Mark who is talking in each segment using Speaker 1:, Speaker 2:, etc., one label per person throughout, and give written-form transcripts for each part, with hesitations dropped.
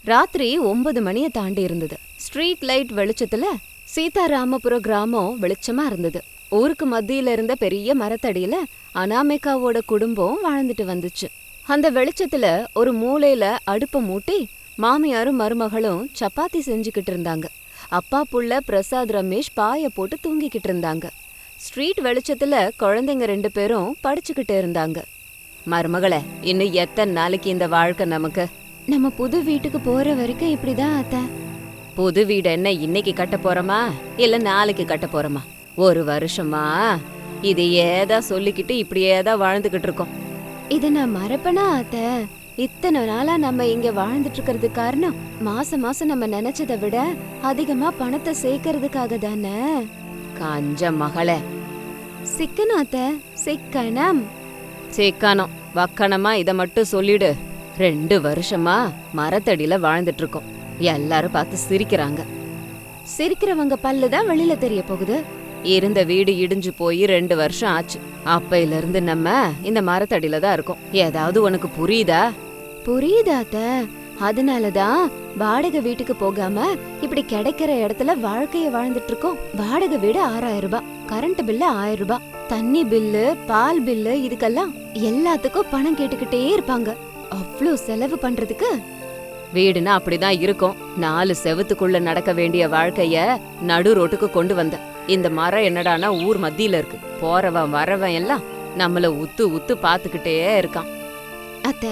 Speaker 1: ராத்திரி 9 மணியை தாண்டி இருந்தது. ஸ்ட்ரீட் லைட் வெளிச்சத்துல சீதாராமபுர கிராமம் வெளிச்சமா இருந்தது. ஊருக்கு மத்தியில இருந்த பெரிய மரத்தடியில அனாமிகாவோட குடும்பம் வாழ்ந்துட்டு வந்துச்சு. அந்த வெளிச்சத்துல ஒரு மூலையில அடுப்ப மூட்டி மாமியாரும் மருமகளும் சப்பாத்தி செஞ்சுக்கிட்டு இருந்தாங்க. அப்பா புள்ள பிரசாத் ரமேஷ் பாய போட்டு தூங்கிக்கிட்டு இருந்தாங்க. ஸ்ட்ரீட் வெளிச்சத்துல குழந்தைங்க 2 பேரும் படிச்சுக்கிட்டு இருந்தாங்க. மருமகளே, இன்னும் எத்தனை நாளைக்கு இந்த வாழ்க்கை நமக்கு? நம்ம புது வீட்டுக்கு போற வரைக்கும் இப்படிதான் அத்த. புது வீடு என்ன இன்னைக்கு கட்ட போறோமா இல்ல நாளைக்கு கட்ட போறோமா? 1 வருஷமா இது ஏதா சொல்லிக்கிட்டு இப்படியேதான் வாழ்ந்துகிட்டு இருக்கோம். இத நான் மறப்பனா அத்த? இத்தனை நாளா நம்ம இங்க வாழ்ந்துட்டு இருக்கிறது காரணம் மாசம் மாசம் நம்ம நினைச்சதை விட அதிகமா பணத்தை சேர்க்கறதுக்காக தானே. கஞ்ச மகளே. சிக்கனம் அத்த, சிக்கனம். சிக்கனம் வக்கணமா இத மட்டும் சொல்லிடு. 2 வருஷமா மரத்தடியில வாழ்ந்துட்டு இருக்கோம். எல்லாரும் பார்த்து சிரிக்கிறாங்க. சிரிக்கிறவங்க பல்லுதான் வெளியில தெரிய போகுது. இருந்த வீடு இடிஞ்சு போய் 2 வருஷம் ஆச்சு. அப்பையில இருந்து நம்ம இந்த மரத்தடியில தான் இருக்கோம். ஏதாவது உனக்கு புரியுதா? புரியுதாத்த. அதனாலதான் வாடகை வீட்டுக்கு போகாம இப்படி கிடைக்கிற இடத்துல வாழ்க்கைய வாழ்ந்துட்டு இருக்கோம். வாடகை வீடு 6000 ரூபாய், கரண்ட் பில்லு 1000 ரூபாய், தண்ணி பில்லு, பால் பில்லு, இதுக்கெல்லாம் எல்லாத்துக்கும் பணம் கேட்டுக்கிட்டே இருப்பாங்க. அவ்வளோ செலவு பண்றதுக்கு வீடுனா அப்படிதான் இருக்கும். 4 செவத்துக்குள்ள நடக்க வேண்டிய வாழ்க்கைய நடு ரோட்டுக்கு கொண்டு வந்த. இந்த மரம் என்னடானா ஊர் மத்தியில இருக்கு. போறவன் வரவன் எல்லாம் நம்மள உத்து உத்து பாத்துக்கிட்டே இருக்கான். அத்த,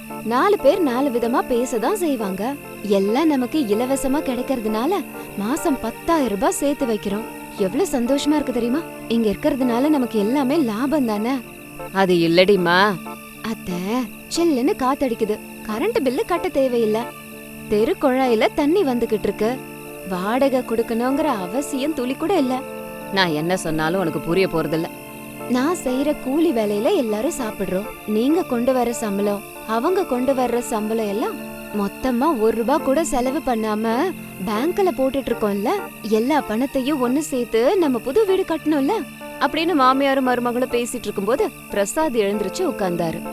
Speaker 1: 4 பேர் 4 விதமா பேசதான் செய்வாங்க. எல்லாம் நமக்கு இலவசமா கிடைக்கிறதுனால மாசம் 10,000 ரூபாய் சேர்த்து வைக்கிறோம். எவ்வளவு சந்தோஷமா இருக்கு தெரியுமா? இங்க இருக்கிறதுனால நமக்கு எல்லாமே லாபம் தானே. அது இல்லடிமா அத்த. சில்லுன்னு காத்தடிக்குது. கரண்ட் பில்லு கட்ட தேவையில்ல. தெரு குழாயில தண்ணி வந்துகிட்டு இருக்கு. வாடகை கொடுக்கணுங்கிற அவசியம் துளி கூட இல்ல. நான் என்ன சொன்னாலும் உனக்கு புரிய போறதில்ல. நான் செய்யற கூலி வேலையில எல்லாரும் சாப்பிடுறோம். நீங்க கொண்டு வர சம்பளம், அவங்க கொண்டு வர்ற சம்பளம் எல்லாம் மொத்தமா 1 ரூபாய் கூட செலவு பண்ணாம பேங்க்ல போட்டுட்டு இருக்கோம்ல. எல்லா பணத்தையும் ஒண்ணு சேர்த்து நம்ம புது வீடு கட்டணும்ல அப்படின்னு மாமியாரும் மருமகளும் பேசிட்டு இருக்கும்போது பிரசாத் எழுந்திருச்சு உட்கார்ந்தாரு.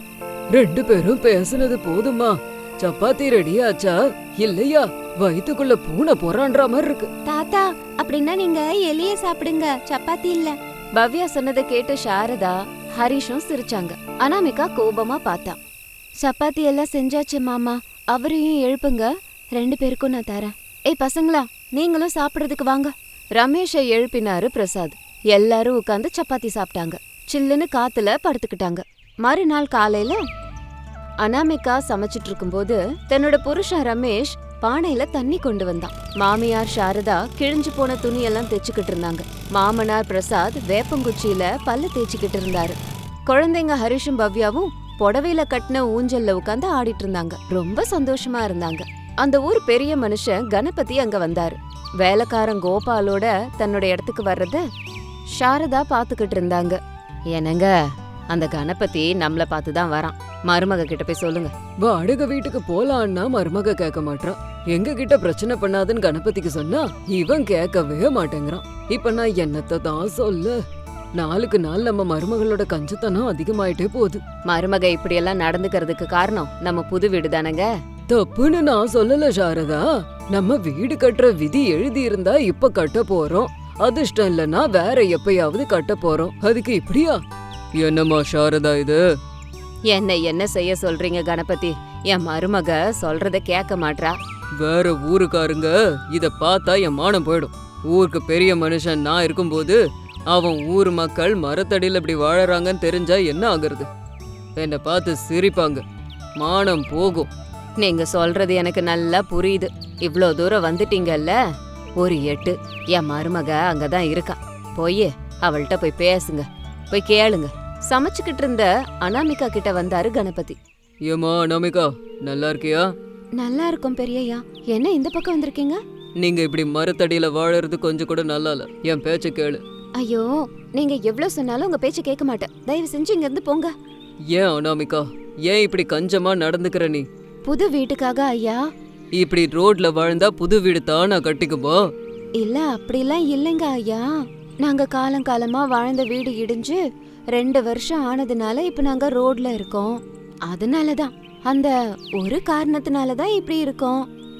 Speaker 2: 2 பேரும் பேசுனது போதுமா? சப்பாத்தி ரெடியாச்சா இல்லையா? வயித்துக்குள்ள பூனை போறான்ற மாதிரி இருக்கு.
Speaker 1: தாத்தா, அப்படின்னா நீங்க எலிய சாப்பிடுங்க, சப்பாத்தி இல்ல. பவ்யா சொன்னதை கேட்டு சாரதா ஹரிஷும் சிரிச்சாங்க. அனாமிகா கோபமா பார்த்தா. சப்பாத்தி எல்லாம் செஞ்சாச்சு மாமா, அவரையும் எழுப்புங்க. 2 பேருக்கும் நான் தரேன். ஏய் பசங்களா, நீங்களும் சாப்பிடுறதுக்கு வாங்க. ரமேஷை எழுப்பினாரு பிரசாத். எல்லாரும் உட்கார்ந்து சப்பாத்தி சாப்பிட்டாங்க. சில்லுன்னு காத்துல படுத்துக்கிட்டாங்க. மறுநாள் காலையில அனாமிகா சமைச்சிட்டு இருக்கும்போது தன்னோட புருஷன் ரமேஷ் பானையில தண்ணி கொண்டு வந்தான். மாமியார் சாரதா கிழிஞ்சு போன துணியெல்லாம் தைச்சுக்கிட்டு இருந்தாங்க. மாமனார் பிரசாத் வேப்பங்குச்சியில பல்ல தேய்ச்சிக்கிட்டு இருந்தாரு. குழந்தைங்க ஹரிஷும் பவ்யாவும் புடவையில கட்டின ஊஞ்சல்ல உட்காந்து ஆடிட்டு இருந்தாங்க. ரொம்ப சந்தோஷமா இருந்தாங்க. அந்த ஊர் பெரிய மனுஷன் கணபதி அங்க வந்தாரு. வேலைக்காரன் கோபாலோட தன்னோட இடத்துக்கு வர்றத சாரதா பாத்துக்கிட்டு இருந்தாங்க. என்னங்க, அந்த கணபதி நம்மள பார்த்துதான் வரான். மருமக கிட்ட போய் சொல்லுங்க.
Speaker 2: வாடகை வீட்டுக்கு போலான்னா மருமக கேட்க மாட்டான். எங்க கிட்ட பிரச்சனை பண்ணாதுன்னு கணபதிக்கு சொன்னா இவன் கேட்கவே மாட்டேங்கிறான். இப்ப நான் என்னத்த தான் சொல்ல? நாளுக்கு நாள் நம்ம மருமகளோட கஞ்சத்தனம் அதிகமாயிட்டே போகுது.
Speaker 1: மருமக இப்படி எல்லாம் நடந்துக்கிறதுக்கு காரணம் நம்ம புது வீடு தானங்க.
Speaker 2: தப்புன்னு நான் சொல்லல சாரதா. நம்ம வீடு கட்டுற விதி எழுதி இருந்தா இப்ப கட்ட போறோம். அதிர்ஷ்டம் இல்லன்னா வேற எப்பயாவது கட்ட போறோம். அதுக்கு இப்படியா? என்னம்மா சாரதா இது?
Speaker 1: என்ன செய்ய சொல்றீங்க கணபதி? என் மருமக சொல்றத கேட்க மாட்றா.
Speaker 2: வேற ஊருக்காருங்க இத பார்த்தா என் மானம் போயிடும். ஊருக்கு பெரிய மனுஷன் நான் இருக்கும்போது அவன் ஊர் மக்கள் மரத்தடியில் இப்படி வாழறாங்கன்னு தெரிஞ்சா என்ன ஆகுறது? என்னை பார்த்து சிரிப்பாங்க. மானம் போகும்.
Speaker 1: நீங்க சொல்றது எனக்கு நல்லா புரியுது. இவ்ளோ தூரம் வந்துட்டீங்கல்ல, ஒரு 8 என் மருமக அங்கதான் இருக்கா. போய் அவள்கிட்ட போய் பேசுங்க, போய் கேளுங்க. சமைச்சுக்கிட்டு இருந்த அனாமிகா கிட்ட வந்தாரு கணபதி.
Speaker 2: ஏமா அனாமிகா, நல்லா இருக்கியா?
Speaker 1: நல்லா இருக்கும் பெரியய்யா. என்ன இந்த பக்கம் வந்திருக்கீங்க?
Speaker 2: நீங்க இப்படி மரத்தடியில வாழறது கொஞ்சம் கூட நல்லா இல்ல. என் பேச்ச கேளு.
Speaker 1: ஐயோ, நீங்க எவ்வளவு சொன்னாலும் உங்க பேச்ச கேட்க மாட்டேன். தயவு செஞ்சு இங்க இருந்து போங்க.
Speaker 2: ஏன் அனாமிகா, ஏன் இப்படி கஞ்சமா நடந்துக்கிற நீ?
Speaker 1: புது வீட்டுக்காக ஐயா.
Speaker 2: இப்படி ரோட்ல வாழ்ந்தா புது வீடு தானா கட்டிக்குமா?
Speaker 1: இல்ல, அப்படிலாம் இல்லைங்க ஐயா. நாங்க காலங்காலமா வாழ்ந்த வீடு இடிஞ்சு 2 வருஷம் ஆனதுனால இப்ப நாங்க ரோட்ல இருக்கோம். அதனாலதான், அந்த ஒரு காரணத்தினாலதான் இப்படி இருக்கோம்.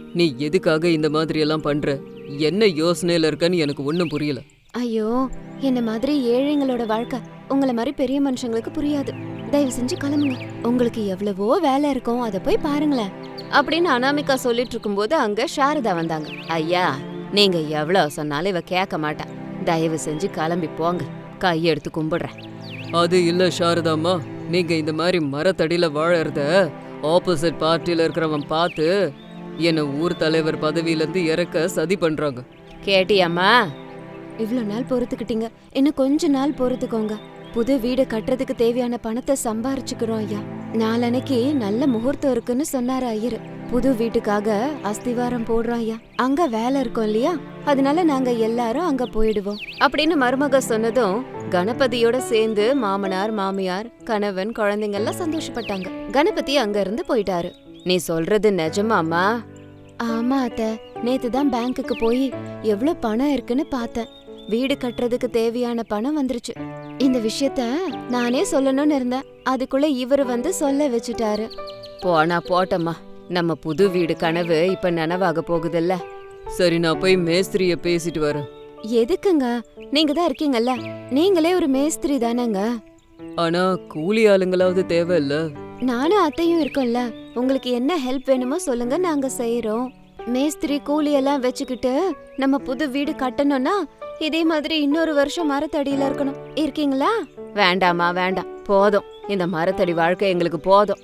Speaker 2: நீ எதுக்காக இந்த மாதிரி எல்லாம் பண்ற? என்ன யோசனையில இருக்கன்னு எனக்கு ஒன்னும் புரியல.
Speaker 1: ஐயோ, என்ன மாதிரி ஏழைங்களோட வாழ்க்கை உங்கள மாதிரி பெரிய மனுஷங்களுக்கு புரியாது. தயவு செஞ்சு கிளம்புங்க. உங்களுக்கு எவ்வளவோ வேலை இருக்கும், அதை போய் பாருங்களேன் அப்படின்னு அனாமிகா சொல்லிட்டு இருக்கும்போது அங்க சாரதா வந்தாங்க. ஐயா, நீங்க எவ்வளவு சொன்னாலும் இவ கேட்க மாட்டா. தயவு செஞ்சு கிளம்பி போங்க, கையெடுத்து கும்பிடுறேன்.
Speaker 2: அது இல்ல சாரதாம்மா, நீங்க இந்த மாதிரி மரத்தடியில வாழறத ஆப்போசிட் பார்ட்டில இருக்கிறவன் பார்த்து என்ன ஊர் தலைவர் பதவியில இருந்து இறக்க சதி பண்றாங்க.
Speaker 1: கேட்டியாம்மா? இவ்ளோ நாள் பொறுத்துக்கிட்டீங்க, இன்னும் கொஞ்ச நாள் பொறுத்துக்கோங்க. புது வீடு கட்டுறதுக்கு தேவையான பணத்தை சம்பாரிச்சுக்கிறோம் ஐயா. நாளன்னைக்கு நல்ல முகூர்த்தம் இருக்குன்னு சொன்னாரு ஐயர். புது வீட்டுக்காக அஸ்திவாரம் போடுறோம் ஐயா. அங்க வேலை இருக்கும் இல்லையா, அதனால நாங்க எல்லாரும் அங்க போயிடுவோம் அப்படின்னு மருமக சொன்னதும் கணபதியோட சேர்ந்து மாமனார், மாமியார், கணவன், குழந்தைங்க எல்லாம் சந்தோஷப்பட்டாங்க. கணபதி அங்க இருந்து போயிட்டாரு. நீ சொல்றது நிஜமாமா? ஆமா அத்தை, நேத்து தான் பேங்க்குக்கு போய் எவ்வளவு பணம் இருக்குன்னு பார்த்தேன். வீடு கட்டுறதுக்கு தேவையான பணம் வந்துருச்சு. இந்த விஷயத்த நானே சொல்லணும்னு இருந்தேன், அதுக்குள்ள இவரு வந்து சொல்ல வச்சுட்டாரு. போனா போட்டம்மா, நம்ம புது வீடு கனவு இப்ப நனவாக போகுதுல்ல.
Speaker 2: சரி, நான் போய் மேஸ்திரிய பேசிட்டு வரேன்.
Speaker 1: எதுக்குங்க? நீங்க தான் இருக்கீங்கல்ல, நீங்களே ஒரு மேஸ்திரி தானேங்க.
Speaker 2: ஆனா கூலி ஆளுங்களாவது தேவையில்ல.
Speaker 1: நானும் அத்தையும் இருக்கோம்ல, உங்களுக்கு என்ன ஹெல்ப் வேணுமோ சொல்லுங்க, நாங்க செய்யறோம். மேஸ்திரி கூலி எல்லாம் வச்சுக்கிட்டு நம்ம புது வீடு கட்டணும்னா இதே மாதிரி இன்னொரு வருஷம் மரத்தடியில இருக்கணும். இருக்கீங்களா? வேண்டாமா, வேண்டாம், போதும். இந்த மரத்தடி வாழ்க்கை எங்களுக்கு போதும்.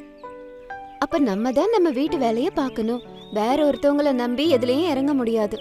Speaker 1: அப்ப நம்ம தான் நம்ம வீட்டு வேலைய பார்க்கணும். வேற ஒருத்தவங்கள நம்பி எதுலயும் இறங்க முடியாது.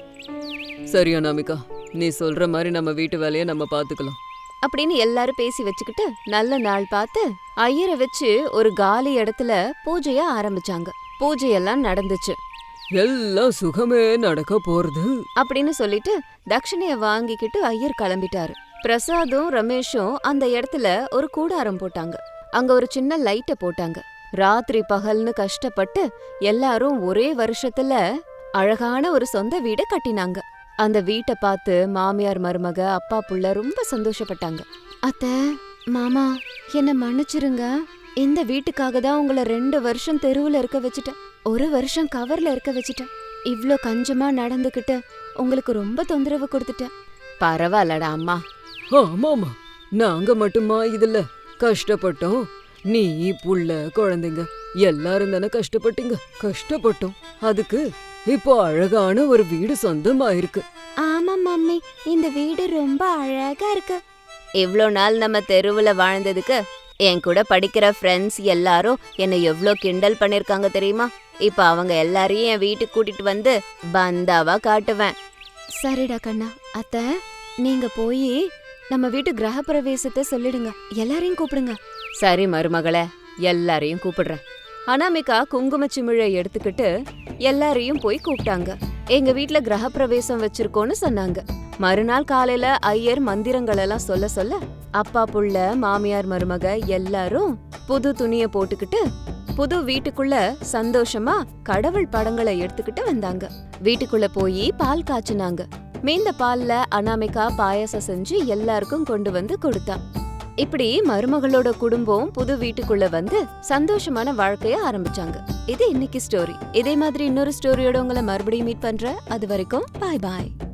Speaker 2: சரி அனாமிகா, நீ சொல்ற மாதிரி நம்ம வீட்டு வேலையை நம்ம பாத்துக்கலாம்
Speaker 1: அப்படின்னு எல்லாரும் பேசி வச்சுக்கிட்டு நல்ல நாள் பார்த்து ஐயரை வச்சு ஒரு காலி இடத்துல பூஜைய ஆரம்பிச்சாங்க. பூஜையெல்லாம் நடந்துச்சு.
Speaker 2: எல்லாம் சுகமே நடக்க போறது
Speaker 1: அப்படின்னு சொல்லிட்டு தட்சணைய வாங்கிக்கிட்டு ஐயர் கிளம்பிட்டாரு. பிரசாதும் ரமேஷும் அந்த இடத்துல ஒரு கூடாரம் போட்டாங்க. அங்க ஒரு சின்ன லைட்ட போட்டாங்க. ராத்திரி பகல்னு கஷ்டப்பட்டு எல்லாரும் ஒரே வருஷத்துல அழகான ஒரு சொந்த வீட கட்டினாங்க. அந்த வீட்டை பார்த்து மாமியார், மருமக, அப்பா, புள்ள ரொம்ப சந்தோஷப்பட்டாங்க. அத்தை, மாமா, என்ன மன்னிச்சிருங்க. இந்த வீட்டுக்காக தான் உங்களை 2 வருஷம் தெருவுல இருக்க வச்சுட்டேன், 1 வருஷம் கவர்ல இருக்க வச்சுட்டேன். இவ்ளோ கஞ்சமா நடந்துகிட்டு உங்களுக்கு ரொம்ப தொந்தரவு கொடுத்துட்டேன். பரவாயில்லடா அம்மா.
Speaker 2: ஆமாமா, நாங்க மட்டுமா இதுல கஷ்டப்பட்டோம்? நீ, புள்ள, குழந்தைங்க எல்லாரும் தானே கஷ்டப்பட்டீங்க. கஷ்டப்பட்டோம், அதுக்கு இப்போ அழகான ஒரு வீடு சொந்தமாயிருக்கு.
Speaker 1: ஆமா மம்மி, இந்த வீடு ரொம்ப அழகா இருக்கு. இவ்ளோ நாள் நம்ம தெருவுல வாழ்ந்ததுக்கு என் கூட படிக்கிற ஃப்ரெண்ட்ஸ் எல்லாரும் என்னை எவ்ளோ கிண்டல் பண்ணிருக்காங்க தெரியுமா? இப்ப அவங்க எல்லாரையும் என் வீட்டுக்கு கூட்டிட்டு வந்து பந்தாவா காட்டுவேன். சரிடா கண்ணா. அத்தை, நீங்க போய் நம்ம வீட்டு கிரகப்பிரவேசத்தை சொல்லிடுங்க, எல்லாரையும் கூப்பிடுங்க. சரி மருமகளே, எல்லாரையும் கூப்பிடுறேன். அனாமிகா குங்குமச்சிமிழை எடுத்துக்கிட்டு எல்லாரையும் போய் கூப்பிட்டாங்க. எங்க வீட்ல கிரகப்பிரவேசம் வச்சிருக்கோன்னு சொன்னாங்க. மறுநாள் காலையில ஐயர் மந்திரங்கள் எல்லாம் சொல்ல சொல்ல அப்பா, புள்ள, மாமியார், மருமக எல்லாரும் புது துணிய போட்டுக்கிட்டு புது வீட்டுக்குள்ள சந்தோஷமா கடவுள் படங்களை எடுத்துக்கிட்டு வந்தாங்க. வீட்டுக்குள்ள போய் பால் காய்ச்சினாங்க. மீந்த பால்ல அனாமிகா பாயாசம் செஞ்சு எல்லாருக்கும் கொண்டு வந்து கொடுத்தா. இப்படி மருமகளோட குடும்பம் புது வீட்டுக்குள்ள வந்து சந்தோஷமான வாழ்க்கைய ஆரம்பிச்சாங்க. இது இன்னைக்கு ஸ்டோரி. இதே மாதிரி இன்னொரு ஸ்டோரியோட உங்களை மறுபடியும் மீட் பண்றேன். அது வரைக்கும் பாய் பாய்.